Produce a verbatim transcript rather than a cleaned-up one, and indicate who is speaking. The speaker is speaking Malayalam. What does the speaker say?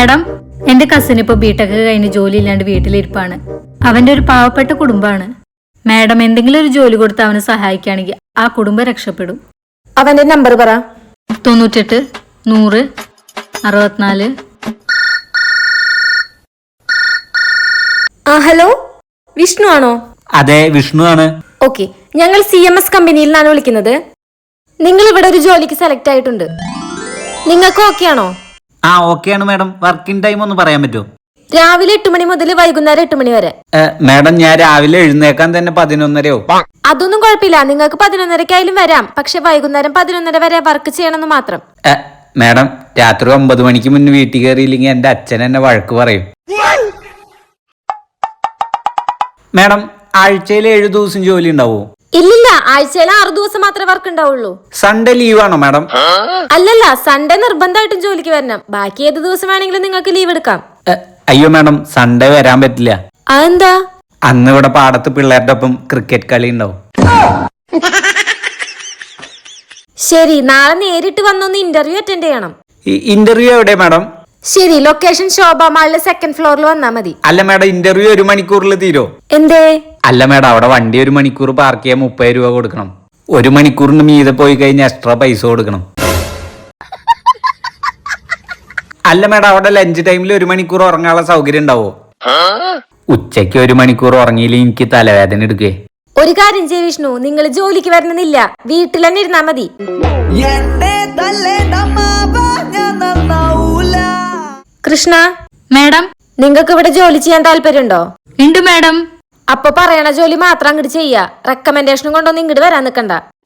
Speaker 1: മാഡം, എന്റെ കസിൻ ഇപ്പൊ ബിടെക് കഴിഞ്ഞ് ജോലി ഇല്ലാണ്ട് വീട്ടിലിരിപ്പാണ്. അവന്റെ ഒരു പാവപ്പെട്ട കുടുംബമാണ്. മാഡം എന്തെങ്കിലും ഒരു ജോലി കൊടുത്ത് അവനെ സഹായിക്കുകയാണെങ്കിൽ ആ കുടുംബം രക്ഷപ്പെടും.
Speaker 2: അവന്റെ നമ്പർ പറ.
Speaker 1: തൊണ്ണൂറ്റെട്ട് നൂറ് അറുപത്തിനാല്.
Speaker 2: ആ ഹലോ, വിഷ്ണു ആണോ?
Speaker 3: അതെ, വിഷ്ണു ആണ്.
Speaker 2: ഓക്കെ, ഞങ്ങൾ സി എം എസ് കമ്പനിയിൽ നിന്നാണ് വിളിക്കുന്നത്. നിങ്ങൾ ഇവിടെ ഒരു ജോലിക്ക് സെലക്ട് ആയിട്ടുണ്ട്. നിങ്ങൾക്ക് ഓക്കെ ആണോ?
Speaker 3: ആ ഓക്കെ ആണ് മാഡം. വർക്കിംഗ് ടൈം ഒന്ന് പറയാൻ പറ്റുമോ?
Speaker 2: രാവിലെ എട്ട് മണി മുതൽ വൈകുന്നേരം എട്ട് മണി വരെ.
Speaker 3: മാഡം, ഞാൻ രാവിലെ എഴുന്നേക്കാൻ തന്നെ പതിനൊന്നരയോ?
Speaker 2: അതൊന്നും കുഴപ്പമില്ല, നിങ്ങൾക്ക് പതിനൊന്നരക്കായാലും വരാം. പക്ഷെ വൈകുന്നേരം പതിനൊന്നര വരെ വർക്ക് ചെയ്യണമെന്ന് മാത്രം.
Speaker 3: മാഡം, രാത്രി ഒമ്പത് മണിക്ക് മുന്നേ വീട്ടിൽ കയറിയില്ലെങ്കിൽ എന്റെ അച്ഛൻ എന്നെ വഴക്ക് പറയും. മാഡം, ആഴ്ചയിൽ ഏഴു ദിവസം ജോലി ഉണ്ടാവോ?
Speaker 2: ഇല്ലില്ല, ആഴ്ചയിൽ ആറു ദിവസം മാത്രമേ വർക്ക് ഉണ്ടാവുള്ളൂ.
Speaker 3: സൺഡേ ലീവ് ആണോ മാഡം?
Speaker 2: അല്ലല്ല, സൺഡേ നിർബന്ധമായിട്ടും ജോലിക്ക് വരണം. ബാക്കി ഏത് ദിവസം വേണമെങ്കിലും നിങ്ങൾക്ക് ലീവ് എടുക്കാം.
Speaker 3: അയ്യോ മാഡം, സൺഡേ വരാൻ പറ്റില്ല.
Speaker 2: അതെന്താ?
Speaker 3: അന്ന് ഇവിടെ പാടത്ത് പിള്ളേരുടെ ഒപ്പം ക്രിക്കറ്റ് കളി ഉണ്ടാവും.
Speaker 2: ശരി, നാളെ നേരിട്ട് വന്നൊന്ന് ഇന്റർവ്യൂ അറ്റൻഡ് ചെയ്യണം.
Speaker 3: ഇന്റർവ്യൂ എവിടെ മാഡം?
Speaker 2: ശരി, ലൊക്കേഷൻ ശോഭ മാളിലെ സെക്കൻഡ് ഫ്ലോറിൽ വന്നാ മതി.
Speaker 3: അല്ല മാഡം, ഇന്റർവ്യൂ ഒരു മണിക്കൂറിൽ തീരോ?
Speaker 2: എന്തേ?
Speaker 3: അല്ല മാഡം, അവിടെ വണ്ടി ഒരു മണിക്കൂർ പാർക്ക് ചെയ്യാൻ മുപ്പത് രൂപ കൊടുക്കണം. ഒരു മണിക്കൂറിന് മീതെ പോയി കഴിഞ്ഞാൽ എക്സ്ട്രാ പൈസ കൊടുക്കണം. അല്ല മാഡം, അവിടെ ലഞ്ച് ടൈമിൽ ഒരു മണിക്കൂർ ഉറങ്ങാനുള്ള സൗകര്യം ഉണ്ടാവോ? ഉച്ചയ്ക്ക് ഒരു മണിക്കൂർ ഉറങ്ങിയില്ലെങ്കിൽ എനിക്ക് തലവേദന എടുക്കേ.
Speaker 2: ഒരു കാര്യം ചെയ്യ വിഷ്ണു, നിങ്ങൾ ജോലിക്ക് വരണമെന്നില്ല, വീട്ടിൽ തന്നെ ഇരുന്നാ മതി. കൃഷ്ണ
Speaker 1: മാഡം,
Speaker 2: നിങ്ങൾക്ക് ഇവിടെ ജോലി ചെയ്യാൻ താല്പര്യമുണ്ടോ?
Speaker 1: ഉണ്ട് മാഡം.
Speaker 2: അപ്പൊ പറയണ ജോലി മാത്രം അങ്ങോട്ട് ചെയ്യാ. റെക്കമെൻഡേഷനും കൊണ്ടൊന്നും ഇങ്ങോട്ട് വരാൻ നിക്കണ്ട.